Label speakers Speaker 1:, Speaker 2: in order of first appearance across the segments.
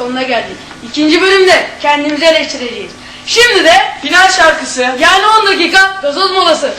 Speaker 1: sonuna geldik. İkinci bölümde kendimizi eleştireceğiz. Şimdi de
Speaker 2: final şarkısı.
Speaker 1: yani 10 dakika gazoz molası.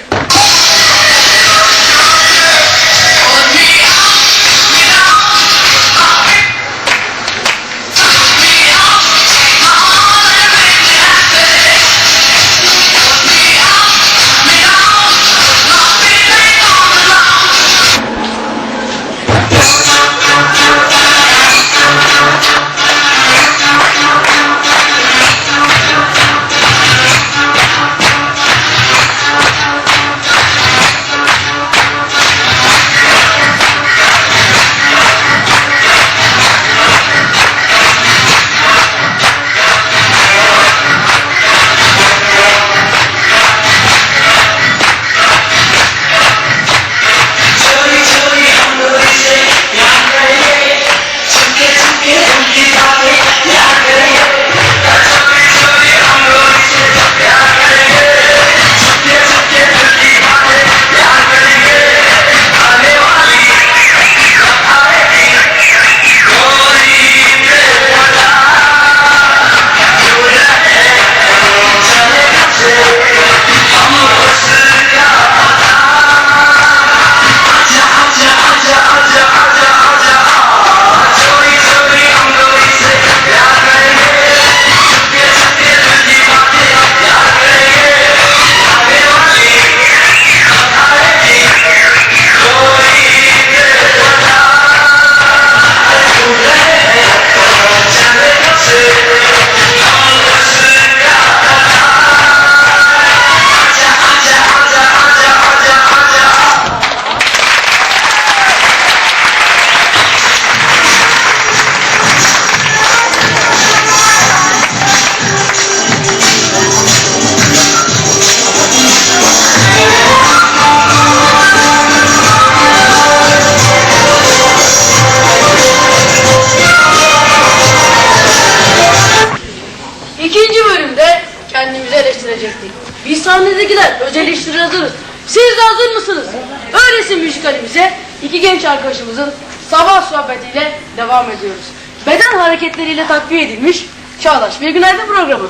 Speaker 1: İkinci bölümde kendimizi eleştirecektik. Biz sahnedekiler öz eleştiri hazırız. Siz de hazır mısınız? Öyleyse müzikalimize iki genç arkadaşımızın sabah sohbetiyle devam ediyoruz. Beden hareketleriyle takviye edilmiş Çağdaş ve Günaydın programı.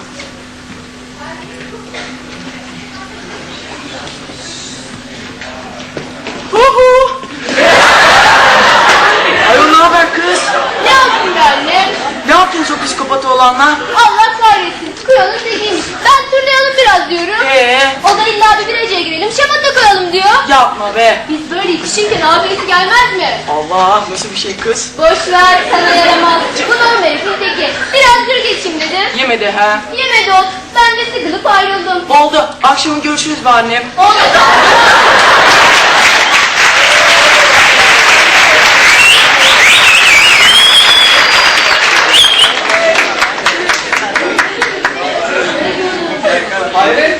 Speaker 1: Huhu!
Speaker 2: Ayol ne haber kız?
Speaker 3: Ne yapayım be anne?
Speaker 2: Ne yaptın çok psikopatı olanla?
Speaker 3: Allah kahretsin. Kuyalım tekiymiş. Ben turlayalım biraz diyorum. O da illa bir bireciye girelim. Şamata koyalım diyor.
Speaker 2: Yapma be.
Speaker 3: Biz böyle yetişirken abisi gelmez mi?
Speaker 2: Allah nasıl bir şey kız?
Speaker 3: Boş ver sana yaramaz. Bu normal herifin teki. Biraz dur geçeyim dedim.
Speaker 2: Yemedi ha.
Speaker 3: Yemedi ot. Ben de sıkılıp ayrıldım.
Speaker 2: Oldu. Akşam görüşürüz be annem.
Speaker 3: Oldu.
Speaker 2: Hayret.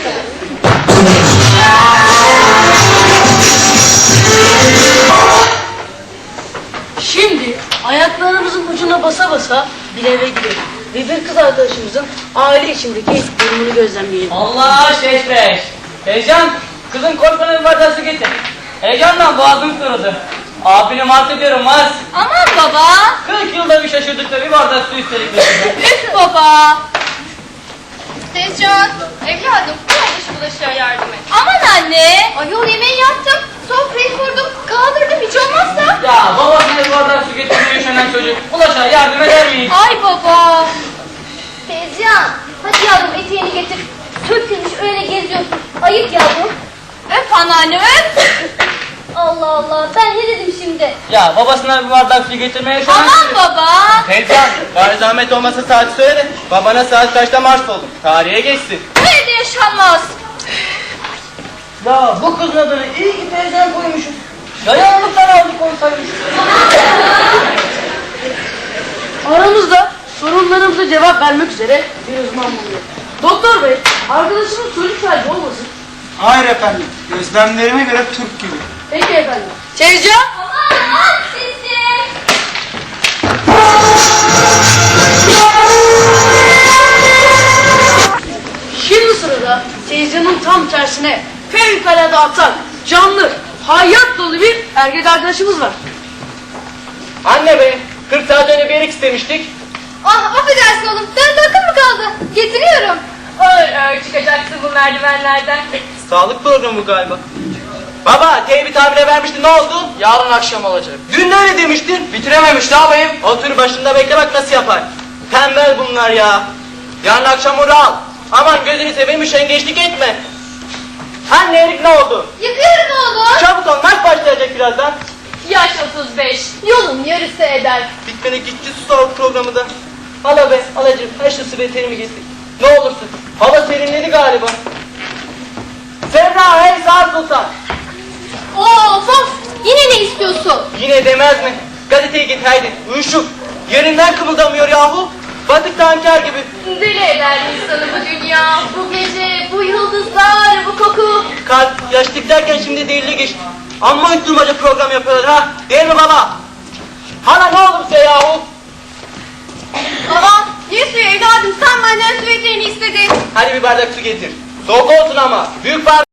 Speaker 1: Şimdi ayaklarımızın ucuna basa basa bir eve gidelim. Ve bir kız arkadaşımızın aile içindeki durumunu gözlemleyelim.
Speaker 4: Allah şeşbeş. Heyecan, kızın korkuna bir bardak su getir. Heyecandan boğazım kurudu. Abini mark ediyorum Mars.
Speaker 3: Aman baba.
Speaker 4: 40 yılda bir şaşırdık da bir bardak su istedik.
Speaker 3: Üf baba. Tezcan, evladım bu bulaşığa yardım et. Aman anne. Ayol yemeği yaptım. Sofrayı kurdum. Kaldırdım hiç olmazsa.
Speaker 4: Ya babasına bir bardak su getirmeye üşenen çocuk. Ulaşa yardım eder miyiz?
Speaker 3: Ay baba. Tezcan, hadi yavrum eteğini getir. Tökülmüş öyle geziyorsun. Ayıp yavrum. Öp anneanne öp. Allah Allah ben ne dedim şimdi?
Speaker 4: Ya babasına bir bardak su getirmeye üşenen...
Speaker 3: Aman baba.
Speaker 5: Tezcan, bari zahmet olmasa saat söyle de babana saat kaçta marş oldum. Tarihe geçsin.
Speaker 3: Bu evde yaşanmaz.
Speaker 4: Ya bu kızın adını iyi ki teyzen koymuşuz. Dayanlıktan aldık olsaymış.
Speaker 1: Aramızda sorunlarımıza cevap vermek üzere bir uzman bulunuyor. Doktor bey, arkadaşımız çocuk sahibi olmasın?
Speaker 5: Hayır efendim, gözlemlerime göre Türk gibi.
Speaker 1: Peki efendim. Tezcan!
Speaker 3: Aman sesi.
Speaker 1: Şimdi sırada Tezcan'ın tam tersine fevkalade atan, canlı, hayat dolu bir erkek arkadaşımız var.
Speaker 5: Anne be, 40 saat önce bir yerik istemiştik.
Speaker 3: Ah affedersin oğlum. Sen de akıl mı kaldı? Getiriyorum.
Speaker 6: Ağır çıkacaksın bu merdivenlerden.
Speaker 5: Sağlık programı bu galiba. Baba teybi tabire vermişti, ne oldu?
Speaker 2: Yarın akşam olacak.
Speaker 5: Dün de öyle demiştin.
Speaker 2: Bitirememiş ne yapayım?
Speaker 5: Otur başında bekle bak nasıl yapar. Tembel bunlar ya. Yarın akşam onu al. Aman gözünü seveyim üşengeçlik etme. Anne Erik ne oldu?
Speaker 3: Yapıyorum oğlum.
Speaker 5: Çabuk ol maç başlayacak birazdan.
Speaker 6: Yaş 35.
Speaker 3: Yolun yarısı eder.
Speaker 5: Bitmene gitti su sağlık programı da. Al be alacığım her şu süveterimi getir. Ne olursun. Hava serinledi galiba. Serra hey saat sultan.
Speaker 3: Of of. Yine ne istiyorsun?
Speaker 5: Yine demez mi? Gazeteyi git haydi. Uyuşuk. Yerinden kımıldamıyor yahu. Batık tanker gibi.
Speaker 6: Deli eder insanı bu dünya, bu gece, bu yıldızlar, bu koku.
Speaker 5: Kalp yaşlık derken şimdi delili geçti. Amma uyutturmaca program yapıyorlar ha. Değil mi baba? Hala ne olursa yahu.
Speaker 3: Baba ne suyu evladım? Sen benden süveterini istedin.
Speaker 5: Hadi bir bardak su getir. Soğuk olsun ama. Büyük bardak.